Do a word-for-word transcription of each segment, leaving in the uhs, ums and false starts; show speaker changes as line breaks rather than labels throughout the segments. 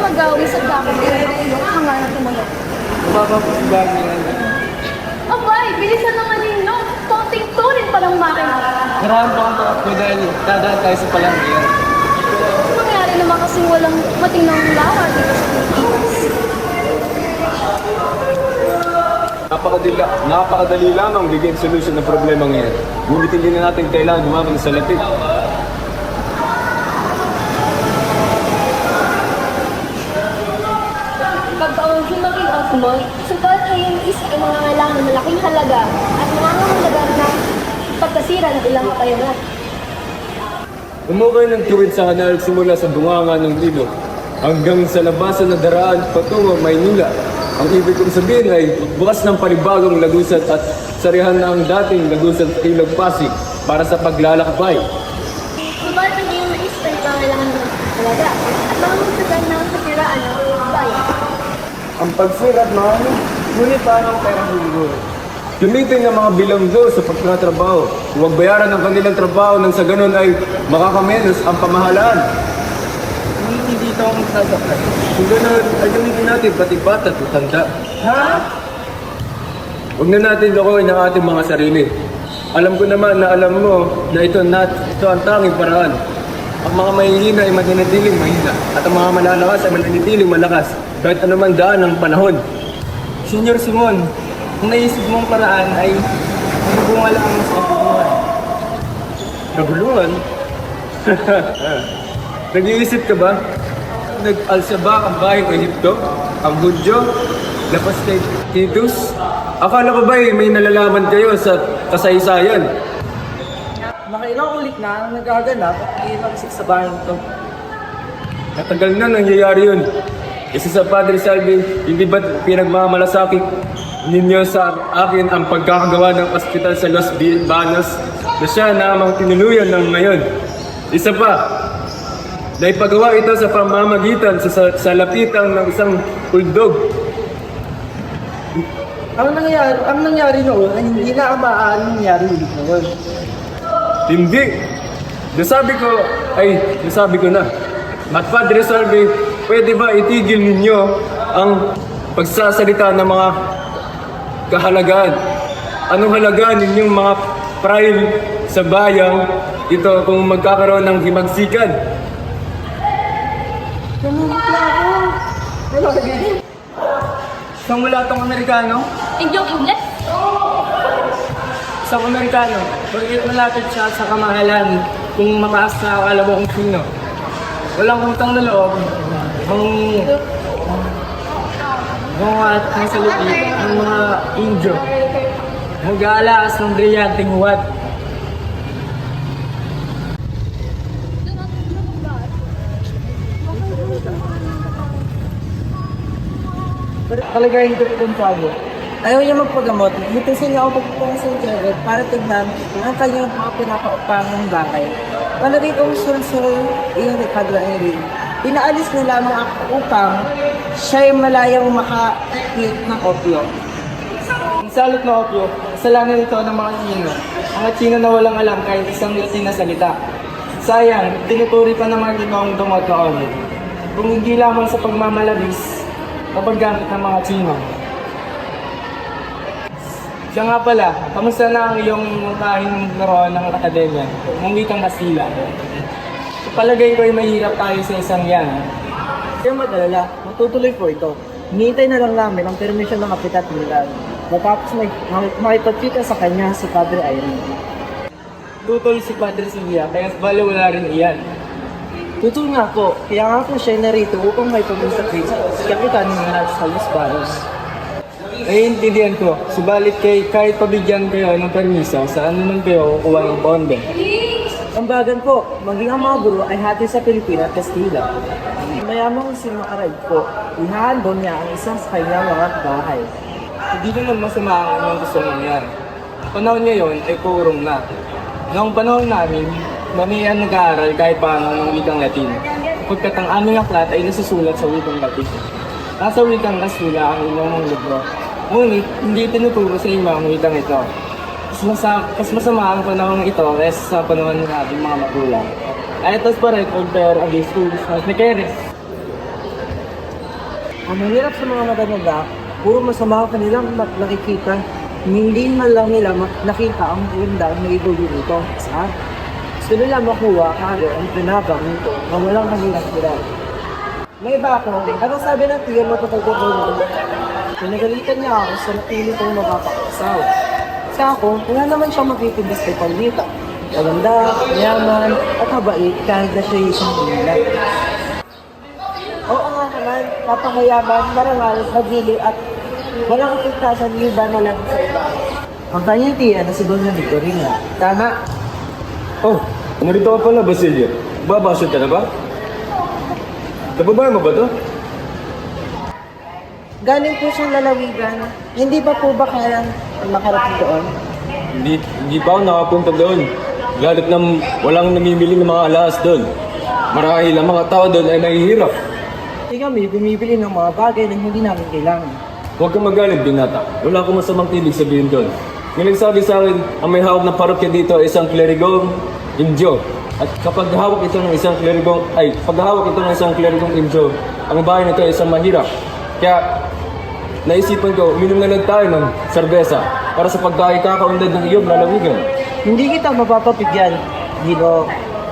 magawin sa dakot ng iyong hangaran ng tumanok.
Mapapagbago yan.
Abay, bilisan naman ninyo. Konting turin pa ng makina.
Marami pa ang takbo dahil dadaan tayo sa palanggihan.
Mangyari naman kasing walang matinong lawa dito sa Pilipinas.
Napakadila, napakadali lamang bigyan solusyon ng problema ngayon. Ngunit hindi na natin kailangan gumamit sa lapit.
Pagkaon si maging osmol, sukat ay yung isa ay mga kailangan ng malaking halaga at nangangahalaga na pagkasira ng ilang kapayanan.
Umukay ng tuwid sa kanal simula sa bunganga ng ilog hanggang sa labasan na daraan patungo Maynila. Ang ibig kong sabihin ay bukas ng panibagong lagusat at sarihan na ang dating lagusat Ilog Pasig para sa paglalakbay.
Sukat ang iyong nais ay kailangan ng halaga at mamagsagan ng kasiraan ng bayan.
Ang pagsirat mahal, ngunit paano ang pera siguro?
Gamitin ng mga bilanggo sa pagtatrabaho. Huwag bayaran ang kanilang trabaho nang sa ganun ay makakamenos ang pamahalaan.
Ngunit hindi ito ang magsasakay.
Kung ganun, ay gamitin natin pati bata at tanda.
Ha?
Huwag na natin lokohin ang ating mga sarili. Alam ko naman na alam mo na ito, nat, ito ang tanging paraan. Ang mga mahihina ay mananatiling mahina at ang mga malalakas ay mananatiling malakas kahit anuman daan ng panahon.
Senyor Simon, kung naisip mong paraan ay nabunga lang sa kabuluhan.
Nagulungan? Nag-iisip ka ba? Nag-Al-Sabak ang bahay ng Egypto? Ang Hudyo? Lapas kay Titus? Akala ko ba eh, may nalalaman kayo sa kasaysayan?
Nakailang ulit na ang nagaganap at iilagsik sa bahay nito.
Matagal na nangyayari yun. Isa sa Padre Salvi, hindi ba't pinagmamalasakit ninyo sa akin ang pagkakagawa ng ospital sa Los Banos na siya namang tinuluyan ng ngayon? Isa pa, naipagawa ito sa pamamagitan sa, sa, sa lapitang ng isang uldog.
Ang nangyari, ang nangyari noon ay hindi na ang maaaring nangyari ulit noon.
Hindi! Nasabi ko, ay, nasabi ko na. At Padre Salvi, pwede ba itigil ninyo ang pagsasalita ng mga kahalagaan? Anong halagaan ninyong mga pride sa bayang ito kung magkakaroon ng himagsikan?
Namumutla ako. Wala ka ganyan. Isang wala tong Amerikano?
Inyong Ingles?
Isang Amerikano. Bakit malapit siya sa kamahalan kung mataas na alam mo kung sino? Walang utang na loob. Ang mga at sa lipi, ang mga Indyo. Mag-aalaas ng brilyanteng huwad. Kalagayin ko itong sabi. Ayaw niya magpagamot. Mitisin niya ako pagpupunta sa internet para tignan ang kanyang mga pinapaupangang bagay. Palagay kong sul-sul yung Ricardo Henry. Pinaalis na lamang ako upang siya'y malayang makakit ng opyo. Ang salot na opyo, kasalanan ito ng mga Chino. Mga Chino na walang alam kahit isang Latin na salita. Sayang, tinuturi pa ng mga ginawang dumot na opyo. Kung hindi lamang sa pagmamalabis, kapag gamit ng mga Chino. Siya nga pala, kamusta na ang iyong kahing naroon ng akademya? Nang wikang Kastila. Palagay ko ay mahirap tayo sa isang yan.
Kaya madalala, matutuloy po ito. Hinihintay na lang namin ang permission ng Kapitan Milan. Matapos may makipagkita sa kanya si Padre Irene.
Tutol si Padre Sylvia, kaya bala wala rin iyan.
Tutol nga po, kaya nga po siya narito upang may pag-usap si Kapitan Milan sa Los Banos.
Naiintindihan ko, subalit kay kahit pabigyan kayo ng permiso, saan naman kayo kukuha ng bonde?
Ambagan po, maging ang mga guro ay hati sa Pilipinas at Kastila. Mayamang si Makarag po, ihahandon niya ang isang sa kanyang mga bahay.
Hindi naman masama ang inyong gusto nangyari. Panahon ngayon ay kurong na. Noong panahon namin, mamiyan nag-aaral kahit paano ng wikang Latin. Pagkat ang aming aklat ay nasusulat sa wikang Latin. Nasa wikang Kastila ang inyong libro. Ngunit, hindi tinuturo sa inyo ang wikang ito. Mas, masama, mas masama ang panahon ito kaysa sa panahon ng ating mga magulang. Ay, ito pa rin, compare against schools, mas ni Keres. Ang mahirap sa mga matatanda, puro masama ang kanilang mak- nakikita. Hindi man lang nila mak- nakita ang maganda na ibuli nito. Sa gusto nila makuha kaya ang pinabang nito na walang kanilang sila. May iba ako, anong sabi ng tiyan mo kapag ko nito? Pinagalitan niya ako sa napili kong mapapakasaw. Sa ako, wala naman siyang makikibis kay Paulita. Maganda, mayaman, at habait kahit na siya yung isang pamilya. Oo nga naman, napakayaman, marangal, magili at walang kapitasan yung iba na lang sa iba. Ang kanyang tiyan na si Doña Victorina. Tama.
Oh, narito ka pala, Basilio. Babasod ka na ba? Nababayan mo ba to?
Galing po siyang lalawigan. Hindi ba po ba kayang makarating doon?
Hindi, hindi pa ako nakapunta doon. Lalo't na walang namimili ng mga alas doon. Marahil ang mga tao doon ay nahihirap.
Kasi kami bumibili ng mga bagay na hindi namin kailangan.
Huwag kang magalit, binata. Wala akong masamang ibig sabihin doon. Ngunit sabi sa akin, ang may hawak ng parokya dito ay isang klerigong Indio. At kapag hawak ito ng isang klerigong, ay, pag hawak ito ng isang klerigong Indio, ang bahay nito ay isang mahirap. Kaya, naisipan ko, uminom na lang tayo ng serbesa para sa pagkakakaunlad ng iyong lalawigan.
Hindi kita mapapapigyan, Dino.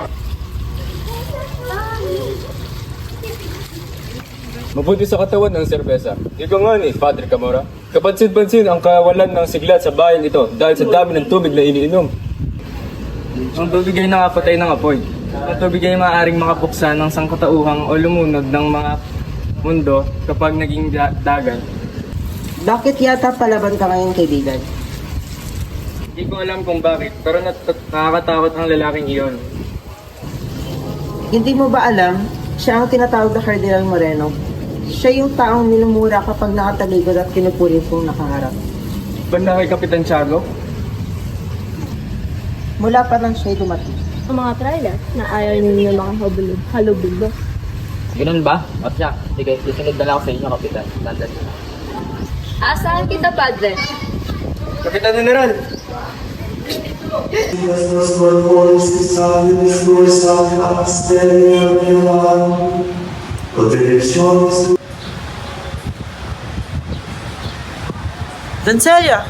Mabuti sa katawan ng serbesa. Ikaw nga ni, Padre Camora. Kapansin-pansin ang kawalan ng sigla sa bayan ito dahil sa dami ng tubig na iniinom.
Ang tubig ay nakapatay ng apoy. Ang tubig ay maaaring makapuksa ng sangkatauhang o lumunod ng mga mundo kapag naging da- dagat.
Bakit yata palaban ka ngayon, kaibigan?
Hindi ko alam kung bakit, pero nat- nakakatakot ang lalaking iyon.
Hindi mo ba alam, siya ang tinatawag na Cardinal Moreno? Siya yung taong minumura kapag nakataligod at kinupurin kong nakaharap.
Banda kay Kapitan Tiago?
Mula pa lang siya'y dumating.
Ang mga trailer na ayaw ninyo mga halubilo. halubilo.
Ganun ba? O siya, sige, susunod na lang ako sa inyo, Kapitan. Tandaan niyo.
Asahan kita, Padre.
Kapitan General!
Dancelia!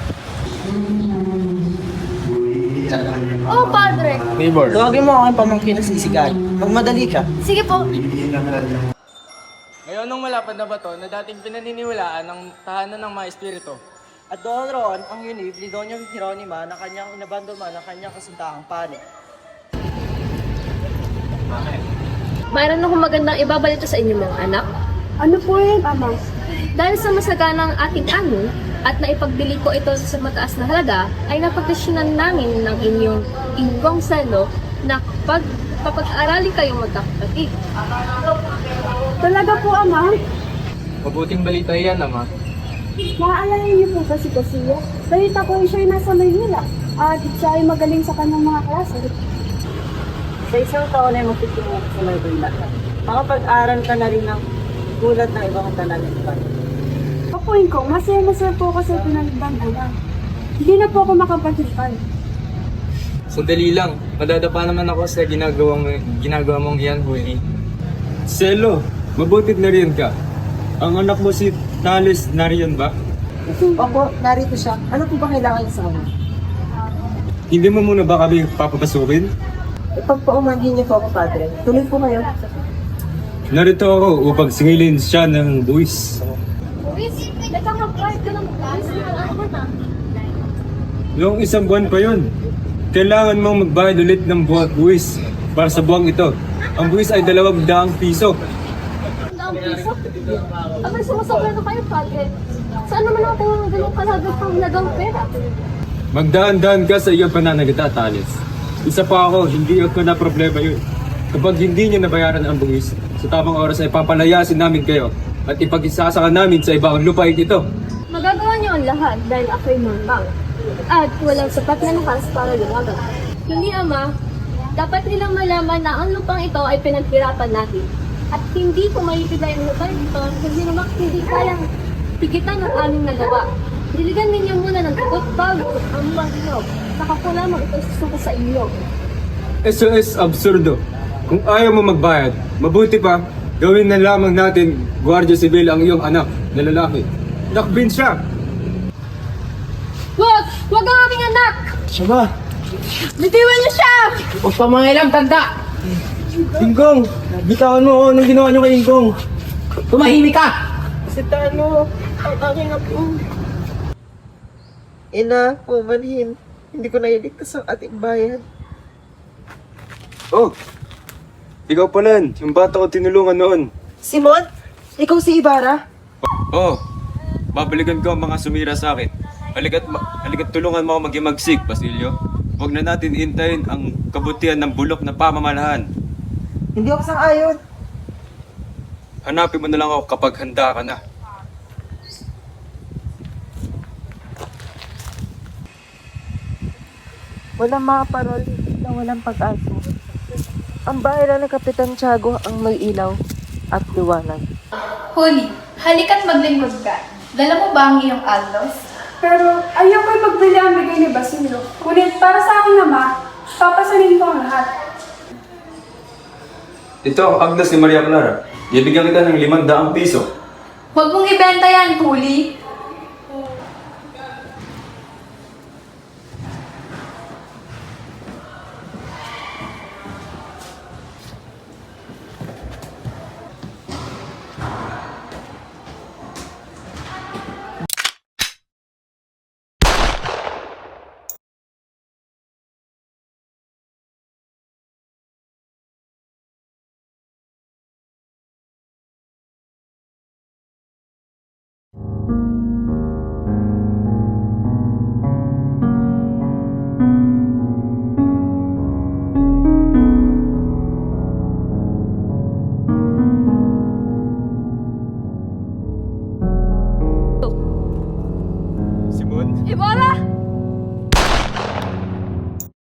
Oh, Padre.
Neighbor.
Tawagin mo ang pamangkin na sisigan. Magmadali ka.
Sige po.
Ngayon nung malapad na bato na dating pinaniniwalaan ng tahanan ng mga espiritu.
At doon roon ang unib ni Doña Hieronima na kanyang inabandoma ng kanyang kasintahang pani.
Mayroon akong magandang ibabalita sa inyo mga anak. Ano po yun, Ama? Dahil sa masaganang ating ano at naipagbili ko ito sa mataas na halaga, ay napagdesisyonan namin ng inyong ingkong selo na pag papag-arali kayong magkakapatid.
Talaga po, Ama?
Mabuting balita yan, Ama.
Naaalala niyo po ba si Casilla? Balita ko siya ay nasa Maynila at siya ay magaling sa kanyang mga klase.
Sa isang taon ay magtitingo sa Maynila. Makapag-aral ka na rin ng gulat ng ibang talalipan.
Kapuin ko, masaya-masaya po ako sa pinagdang ulan. Hindi na po ako makapagsipan.
Sandali lang, madadapa naman ako sa ginagawa, ginagawa mong iyan huli.
Selo, mabutit na rin ka. Ang anak mo si Thales nariyan ba?
Opo, narito siya. Ano po ba kailangan niya sa kanya?
Hindi mo muna ba kami papapasukin?
Ipagpaumanhin niyo po ako, Padre. Tuloy po kayo.
Narito ako upang singilin siya ng buwis.
Luis, nagkakapride ka ng Luis. Ano na?
Noong isang buwan pa yon, kailangan mong magbayad ulit ng buwag buwis para sa buwang ito. Ang buwis ay dalawang daang piso.
Ang piso? Abay, sumusobra na kayo, Padre. Saan naman natin ang ganong kalagang panglagang pera?
Magdaan-daan ka sa iyong pananagita, Thales. Isa pa ako, hindi ako na problema yun. Kapag hindi niya nabayaran ang buwis, sa tamang oras ay papalayasin namin kayo at ipag-isasaka namin sa ibang lupain ito.
Magagawa niyo ang lahat dahil ako'y mambang. At walang sapat na lakas para lumaban. Hindi, Ama. Dapat nilang malaman na ang lupang ito ay pinaghirapan natin. At hindi ko maipigay ang lupa ito kasi naman hindi kayang pigitan ang aming nagawa. Diligan ninyo muna ng tugot bago ang mga inog. Saka ko lamang ito susuko sa inyo.
Eso es absurdo. Kung ayaw mo magbayad, mabuti pa, Gawin na lamang natin, Guardia Civil, ang iyong anak na lalaki. Nakbin siya!
Wag! Wag ang aking anak!
Siya ba?
Bitiwan niyo siya!
Huwag pa mga ilang tanda!
Ingkong! Bitawan mo, oh, anong ginawa niyo kay Ingkong?
Tumahimik ka!
Si Tano, ang aking apo. Ina, pumanhin. Hindi ko nailigtas ang ating bayan.
Oh! Ikaw pala, yung bata ko tinulungan noon.
Simon, ikaw si Ibarra?
Oh! Babalikan ko ang mga sumira sa akin. Halika't, ma- halika't tulungan mo ako magimagsik, Basilio. Huwag na natin intayin ang kabutihan ng bulok na pamamalahan.
Hindi ako sang-ayon.
Hanapin mo na lang ako kapag handa ka na.
Walang mga parol na walang pag-asa. Ang bayan ng Kapitan Tiago ang may ilaw at liwanag.
Holy, halika't maglingkod ka. Dala mo ba ang iyong allos?
Pero ayaw ko'y magbili ang bigay ni Basilio. Ngunit para sa akin ama, papasanin ko ang lahat.
Ito ang Agnes ni Maria Clara. Bibigyan kita ng limang daang piso.
Huwag mong ibenta yan, Holy.
Simon?
Ibarra!